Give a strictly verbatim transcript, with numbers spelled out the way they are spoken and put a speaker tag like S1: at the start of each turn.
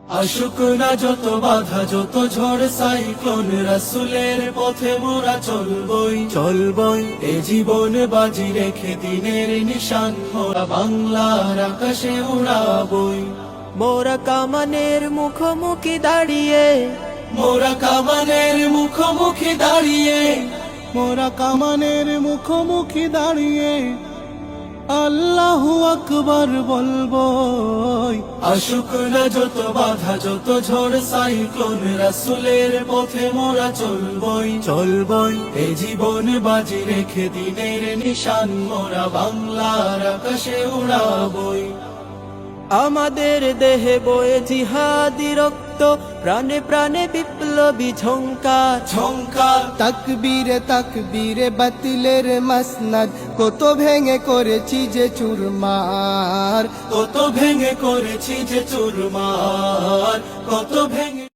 S1: আসুক না যত বাধা যত ঝড় সাইক্লোন, রাসূলের পথে মোরা চলবই চলবই এ জীবন বাজি রেখে দিনের নিশান মোরা বাংলার আকাশে উড়াবই।
S2: মোরা কামানের মুখোমুখি দাঁড়িয়ে,
S1: মোরা কামানের মুখোমুখি দাঁড়িয়ে,
S3: মোরা কামানের মুখোমুখি দাঁড়িয়ে আল্লাহু আকবার বলবো।
S1: আসুক না যত বাধা যত ঝড় সাইক্লোন, রাসূলের পথে মোরা চলবই চলবই এ জীবন বাজি রেখে দিনের নিশান মোরা বাংলার আকাশে উড়াবই।
S2: আমাদের দেহে বয়ে জিহাদি রক্ত, প্রাণে প্রাণে বিপ্লবী ঝংকার
S1: ঝংকার
S3: তাকবীরে তাকবীরে বাতিলের মাসনাদ, কত ভেঙে করেছি যে চুরমার,
S1: কত ভেঙে করেছি যে চুরমার, কত ভেঙে